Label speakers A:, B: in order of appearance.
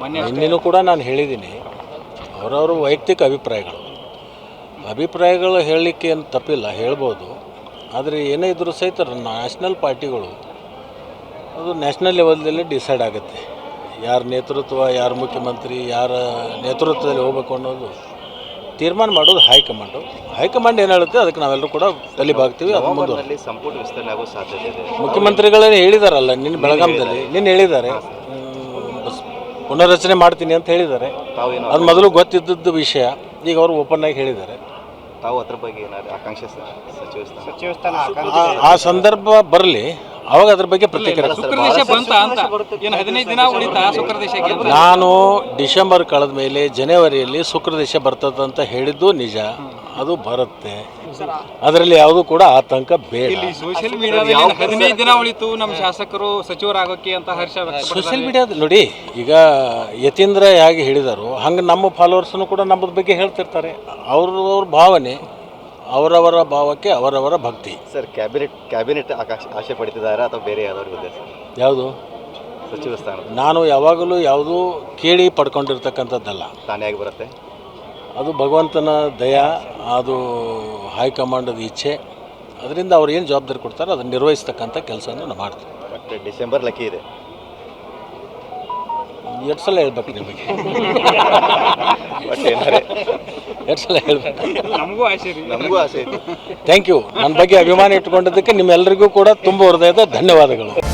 A: ನಿನ್ನೆನೂ ಕೂಡ ನಾನು ಹೇಳಿದ್ದೀನಿ, ಅವರವರು ವೈಯಕ್ತಿಕ ಅಭಿಪ್ರಾಯಗಳು ಹೇಳಲಿಕ್ಕೆ ಏನು ತಪ್ಪಿಲ್ಲ, ಹೇಳ್ಬೋದು. ಆದರೆ ಏನೇ ಇದ್ರೂ ಸಹಿತ ನ್ಯಾಷನಲ್ ಪಾರ್ಟಿಗಳು ಅದು ನ್ಯಾಷನಲ್ ಲೆವೆಲ್ದಲ್ಲಿ ಡಿಸೈಡ್ ಆಗುತ್ತೆ. ಯಾರ ನೇತೃತ್ವ, ಯಾರ ಮುಖ್ಯಮಂತ್ರಿ, ಯಾರ ನೇತೃತ್ವದಲ್ಲಿ ಹೋಗಬೇಕು ಅನ್ನೋದು ತೀರ್ಮಾನ ಮಾಡೋದು ಹೈಕಮಾಂಡ್ ಏನು ಹೇಳುತ್ತೆ ಅದಕ್ಕೆ ನಾವೆಲ್ಲರೂ ಕೂಡ ತಲೆಬಾಗ್ತೀವಿ. ಅದು ಮುಂದೆ
B: ಸಂಪುಟ ವಿಸ್ತರಣೆ ಆಗೋ ಸಾಧ್ಯತೆ ಇದೆ.
A: ಮುಖ್ಯಮಂತ್ರಿಗಳೇ ಹೇಳಿದಾರಲ್ಲ, ನಿನ್ನೆ ಬೆಳಗಾಂದಲ್ಲಿ ಹೇಳಿದ್ದಾರೆ, ಪುನರ್ರಚನೆ ಮಾಡ್ತೀನಿ ಅಂತ ಹೇಳಿದ್ದಾರೆ. ಅದು ಮೊದಲು ಗೊತ್ತಿದ್ದದ್ದು ವಿಷಯ, ಈಗ ಅವರು ಓಪನ್ ಆಗಿ ಹೇಳಿದ್ದಾರೆ.
B: ತಾವು ಅದ್ರ ಬಗ್ಗೆ ಏನಾದ್ರು ಆಕಾಂಕ್ಷೆ ಸಚಿವ ಸ್ಥಾನ
A: ಆ ಸಂದರ್ಭ ಬರಲಿ, ಅವಾಗ ಅದ್ರ ಬಗ್ಗೆ ಪ್ರತಿಕ್ರಿಯೆ. ನಾನು ಡಿಸೆಂಬರ್ ಕಳೆದ ಮೇಲೆ ಜನವರಿಯಲ್ಲಿ ಶುಕ್ರದೇಶ ಬರ್ತದಂತ ಹೇಳಿದ್ದು ನಿಜ, ಅದು ಬರುತ್ತೆ. ಅದರಲ್ಲಿ ಯಾವುದೂ ಕೂಡ ಆತಂಕ ಬೇಡ.
C: ಸೋಷಿಯಲ್ ಮೀಡಿಯಾದಲ್ಲಿ 15 ದಿನ ಉಳಿತು ನಮ್ಮ ಶಾಸಕರು ಸಚಿವರಾಗೋಕೆ ಅಂತ ಹರ್ಷ.
A: ಸೋಷಿಯಲ್ ಮೀಡಿಯಾದ ನೋಡಿ, ಈಗ ಯತೀಂದ್ರ ಹೇಗೆ ಹೇಳಿದರು ಹಂಗೆ ನಮ್ಮ ಫಾಲೋವರ್ಸ್ನು ಕೂಡ ನಮ್ಮ ಬಗ್ಗೆ ಹೇಳ್ತಿರ್ತಾರೆ. ಅವ್ರ ಭಾವನೆ, ಅವರವರ ಭಾವಕ್ಕೆ ಅವರವರ ಭಕ್ತಿ.
B: ಸರ್, ಕ್ಯಾಬಿನೆಟ್ ಆಶೆ ಪಡ್ತಿದ್ದಾರಾ ಅಥವಾ ಬೇರೆ ಯಾವ್ದಾದ್ರು ಉದ್ದೇಶ?
A: ಯಾವುದು
B: ಸಚಿವ ಸ್ಥಾನ
A: ನಾನು ಯಾವಾಗಲೂ ಯಾವುದೂ ಕೇಳಿ ಪಡ್ಕೊಂಡಿರ್ತಕ್ಕಂಥದ್ದಲ್ಲ.
B: ತಾನೇ ಬರುತ್ತೆ,
A: ಅದು ಭಗವಂತನ ದಯಾ, ಅದು ಹೈಕಮಾಂಡದ ಇಚ್ಛೆ. ಅದರಿಂದ ಅವ್ರು ಏನು ಜವಾಬ್ದಾರಿ ಕೊಡ್ತಾರೆ ಅದನ್ನು ನಿರ್ವಹಿಸ್ತಕ್ಕಂಥ ಕೆಲಸನ ನಾವು ಮಾಡ್ತೀವಿ.
B: ಬಟ್ ಡಿಸೆಂಬರ್ ಲಕ್ಕಿ ಇದೆ.
A: ಎಷ್ಟು ಸಲ ಹೇಳ್ಬೇಕು ನಿಮಗೆ?
B: ಬಟ್ ಏನಾರೆ
A: ಎಷ್ಟು ಸಲ ಹೇಳ್ಬೇಕು?
B: ನಮಗೂ ಆಸೆ ಇದೆ.
A: Thank you. ನನ್ನ ಬಗ್ಗೆ ಅಭಿಮಾನ ಇಟ್ಕೊಂಡಿದ್ದಕ್ಕೆ ನಿಮ್ಮೆಲ್ಲರಿಗೂ ಕೂಡ ತುಂಬ ಹೃದಯದ ಧನ್ಯವಾದಗಳು.